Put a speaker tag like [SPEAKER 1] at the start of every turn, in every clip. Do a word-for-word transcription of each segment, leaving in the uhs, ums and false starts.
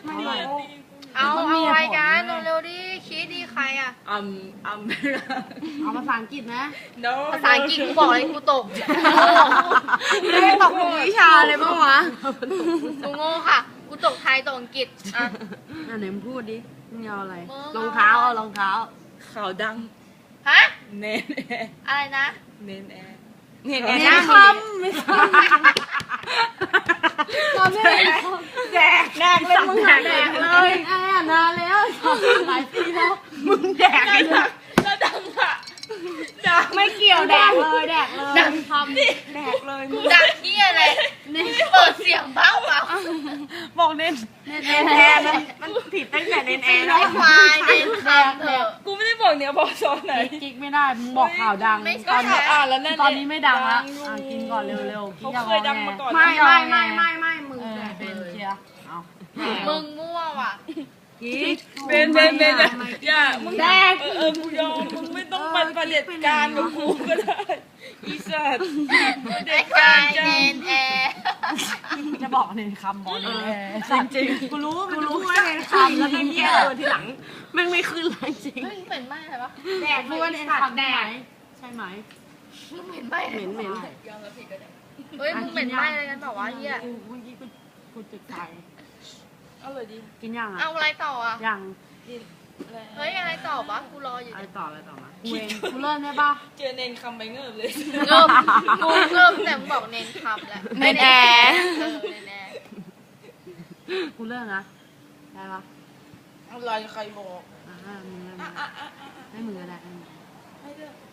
[SPEAKER 1] ไม่รู้
[SPEAKER 2] เอาเอาอะไรกันเร็วๆดิคิดดิใครอ่ะ
[SPEAKER 1] อัมอัม
[SPEAKER 3] เอาภาษาอังกฤษนะ
[SPEAKER 1] no
[SPEAKER 2] ภาษาอังกฤษกูบอกเลยกูตก
[SPEAKER 3] ไม่ได้ตกทุกวิชาเลยมั้งวะ
[SPEAKER 2] กูโง่ค่ะกูตกไทยตกอังกฤษอ่ะ
[SPEAKER 3] อ่ะไหนมึงพูดดิมึงเอาอะไร
[SPEAKER 2] มึง
[SPEAKER 3] รองเท้าเอารองเท้า
[SPEAKER 1] ข่าวดัง
[SPEAKER 2] ฮะ
[SPEAKER 1] เนนแอร์
[SPEAKER 2] อะไรนะ
[SPEAKER 1] เนนแอร์
[SPEAKER 3] เห็นแอ
[SPEAKER 2] เน้น
[SPEAKER 3] ร์
[SPEAKER 2] ค
[SPEAKER 3] ไม่ใช่ตอนนี้แดกแดกเลยมึงแดกเลยแอร์นานแล้วหลายปีแล้วมึงแดกไอ้สัส
[SPEAKER 1] แล้วดังอะดัง
[SPEAKER 3] ไม่เกี่ยวแดกเลยแดกเลย
[SPEAKER 2] ดัง
[SPEAKER 3] ทำแดกเลย
[SPEAKER 2] ดังเหี้ยอะไรเปิดเสียงบ้างเปล่า
[SPEAKER 3] บอกเน้นเน้นแอร์มันมันผิดตั้งแต่เน้นแอร์
[SPEAKER 2] ไอ้ควายเน้นคำเถอะ
[SPEAKER 1] กูไม่ได้บอกเนี่ยบอกซอนไหน
[SPEAKER 3] กิ๊กไม่ได้มึงบอกข่าวดัง
[SPEAKER 2] ไม่
[SPEAKER 1] ก็
[SPEAKER 2] ใช่
[SPEAKER 1] อ่านแล้วนั่น
[SPEAKER 3] ตอนนี้ไม่ดังละ
[SPEAKER 1] อยู่
[SPEAKER 3] อ่ะกินก่อนเร็วๆ
[SPEAKER 1] เขาเคยดังมาก่อน
[SPEAKER 3] ไม่ไม่ไม่ไม่ไม่มึงแดกเป็นเชียร์เอา
[SPEAKER 2] มึงมั่วว่ะ
[SPEAKER 3] กิ๊ก
[SPEAKER 1] เบนเบนเบนอย่ามึงแดกเออเออกูยอมมึงไม่ต้องเป็นประเด็จการกับกูก็ได้อีสัตว์ประเด็
[SPEAKER 2] ไอ้
[SPEAKER 1] จ
[SPEAKER 2] ควา
[SPEAKER 1] การ
[SPEAKER 2] ย
[SPEAKER 1] จ้า
[SPEAKER 2] เน้นแอร์
[SPEAKER 3] จะบอกในคำบอกเลยจริงจริงกูรู้กูรู้ว่าในคำแล้วก็เหี้ยเออทีหลังแม่งไม่ขึ้นเลยจริง
[SPEAKER 2] เฮ้ยเหม็นไหมอะไรวะ
[SPEAKER 3] แดกรู้ว่าในคำแดกใช่ไหม
[SPEAKER 2] มึงเหม็นไหม
[SPEAKER 3] เหม็นเหม็น
[SPEAKER 2] เฮ้ยมึงเหม็นไหมอะไรกันเปล่าวะเหี้ย
[SPEAKER 3] กูเมื่อกี้กูกูจุดไฟ
[SPEAKER 1] เอาเลยดิ
[SPEAKER 3] กินยัง
[SPEAKER 2] เอา
[SPEAKER 3] อ่ะ
[SPEAKER 2] อะไรต่ออ่ะ
[SPEAKER 3] ยัง
[SPEAKER 2] เฮ้ยอะไรต่อวะกูรออยู่
[SPEAKER 3] อะไร
[SPEAKER 2] เนี่ย
[SPEAKER 3] ต่ออะไรต่อมากูเองกูเริ่มได้ปะ
[SPEAKER 1] เจอเนนคำไปเงิบเลย
[SPEAKER 2] เริ่มกูเริ่มแต่มึงบอกเน้นคำแล้ว
[SPEAKER 3] เน้นแอร์
[SPEAKER 2] เออเน้นแอร์
[SPEAKER 3] กูเริ่มนะได้ปะ
[SPEAKER 1] อะไรใครบอก
[SPEAKER 3] อ่ามึงเริ่ม
[SPEAKER 1] อ่ะอ่ะอ่ะอ่ะ
[SPEAKER 3] ให้มึงก็ได้ให้มึง
[SPEAKER 1] ให้เลือก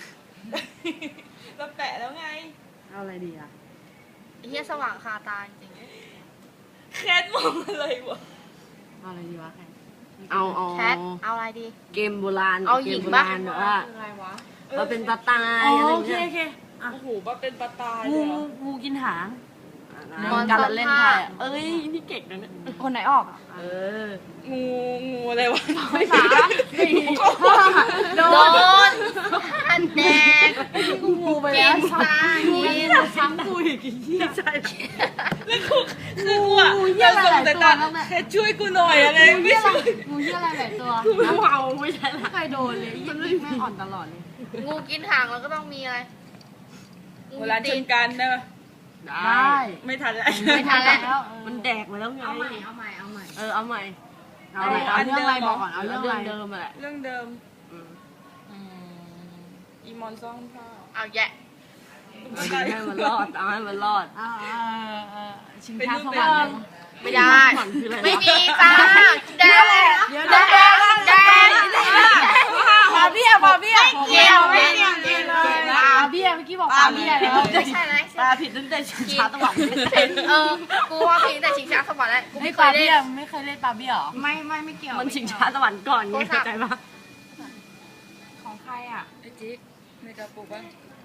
[SPEAKER 1] เราแปะแล้วไง
[SPEAKER 3] เอาอะไรดีอ่ะ
[SPEAKER 2] ไอ้เหี้ยสว่างคาตาจริง
[SPEAKER 1] แคทมองอะไรวะ
[SPEAKER 3] เอาอะไรดีวะแคทเอาเอา
[SPEAKER 2] แคทเอาอะไรดี
[SPEAKER 3] เกมโบราณ
[SPEAKER 2] เอาหญิง
[SPEAKER 3] เกมโบ
[SPEAKER 2] ปะ
[SPEAKER 3] ราณแบบว่า
[SPEAKER 2] อะไรวะ
[SPEAKER 3] เราเป็นตาตายอะไรอย่างเงี้ย
[SPEAKER 1] โอ้โหมาเป็นปลาตายเล
[SPEAKER 3] งู
[SPEAKER 1] ยเหรอ
[SPEAKER 3] งูกินหาง
[SPEAKER 2] มอน
[SPEAKER 3] การ
[SPEAKER 2] ซ่อน
[SPEAKER 3] เล่น
[SPEAKER 2] ผ้า
[SPEAKER 3] ไพ่อะเอ้ยนี่เก่งนะเนี่ย
[SPEAKER 4] คนไหนออกอ่ะ
[SPEAKER 3] เออ
[SPEAKER 1] งูงูอะไรวะ
[SPEAKER 3] ไม่สาสี่โด
[SPEAKER 2] โด
[SPEAKER 3] น
[SPEAKER 2] นอันแดง
[SPEAKER 3] กูงูไป
[SPEAKER 2] เก
[SPEAKER 3] แล้ว
[SPEAKER 2] มตา
[SPEAKER 3] งู
[SPEAKER 2] ยิ
[SPEAKER 3] นี่
[SPEAKER 2] น
[SPEAKER 3] ซ้ำกูอีกเหี้ยใช่
[SPEAKER 1] แล้วกูคือกูอะ
[SPEAKER 3] งูเหี้ยอะไรหลายตัว
[SPEAKER 1] แต่
[SPEAKER 3] แล้วเนี่ย
[SPEAKER 1] แค่ช่วยกูหน่อยอะไร
[SPEAKER 3] งู
[SPEAKER 1] ไม่
[SPEAKER 3] เหี้ยอะไร
[SPEAKER 1] ช่วย
[SPEAKER 3] งูเหี้ยอะไรหลายตัวกูไม่เมาไม่ใช่ละใครโดนเลยยังแม่งอ่อนตลอดเลย
[SPEAKER 2] งูกินหางแล้วก็ต้องมีอะไรงู
[SPEAKER 1] เวลาชนกันได้ปะ
[SPEAKER 3] ได้
[SPEAKER 1] ไม่ทันแล้ว
[SPEAKER 2] ไม่ทันแล้ว
[SPEAKER 3] มันแดกมาแล้วไง
[SPEAKER 4] เอาใหม่ เอาใหม่ เอาใหม่
[SPEAKER 3] เออเอาใหม่เอาใหม่เอาเรื่องอะไรบอกก่อนเอาเรื่องอะไรเดิมมาแหละ
[SPEAKER 1] เรื่องเดิม
[SPEAKER 3] อืม
[SPEAKER 1] อีมอนซ่องผ้า
[SPEAKER 2] เอาแยะ
[SPEAKER 3] เอาให้มันรอดเอาให้มันรอด
[SPEAKER 4] เอาเออเออชิง
[SPEAKER 1] เป็น
[SPEAKER 4] ช้า
[SPEAKER 1] รูป
[SPEAKER 4] ส
[SPEAKER 1] เป็
[SPEAKER 4] วรรค์
[SPEAKER 1] น
[SPEAKER 2] ไม่ได้
[SPEAKER 3] ผ่อนคืออะไร
[SPEAKER 2] ไม่มีจ้าแดงแดงแดงแดง
[SPEAKER 4] ปาเบี้ยปาเบี้ย
[SPEAKER 2] เกี่ยวไม่เกี่ยว
[SPEAKER 4] เกี่ยวเลยปาเบี้ยเมื่อกี้บอกปาเบี้ยแล้ว
[SPEAKER 2] ไม่ใช่ไหม
[SPEAKER 3] ตาผิดตั้งแต่ชิงช้าตะวัน
[SPEAKER 2] เออกูว่าเพลงแต่ชิงช้าสวรรค์แล้วกู
[SPEAKER 4] ไม่
[SPEAKER 2] ไม่เค
[SPEAKER 4] ปาย
[SPEAKER 2] เล่
[SPEAKER 4] เบี้ย
[SPEAKER 2] น
[SPEAKER 4] ไม่เคยเล่นปาเบี้ยหรอ
[SPEAKER 3] ไม่ไม่ไม่เกี่ยวมันชิงช้าตะวันก่อนไงเข้าใจปะ
[SPEAKER 4] ของใครอ่ะ
[SPEAKER 1] ไอจิ๊กในกระปุกปะ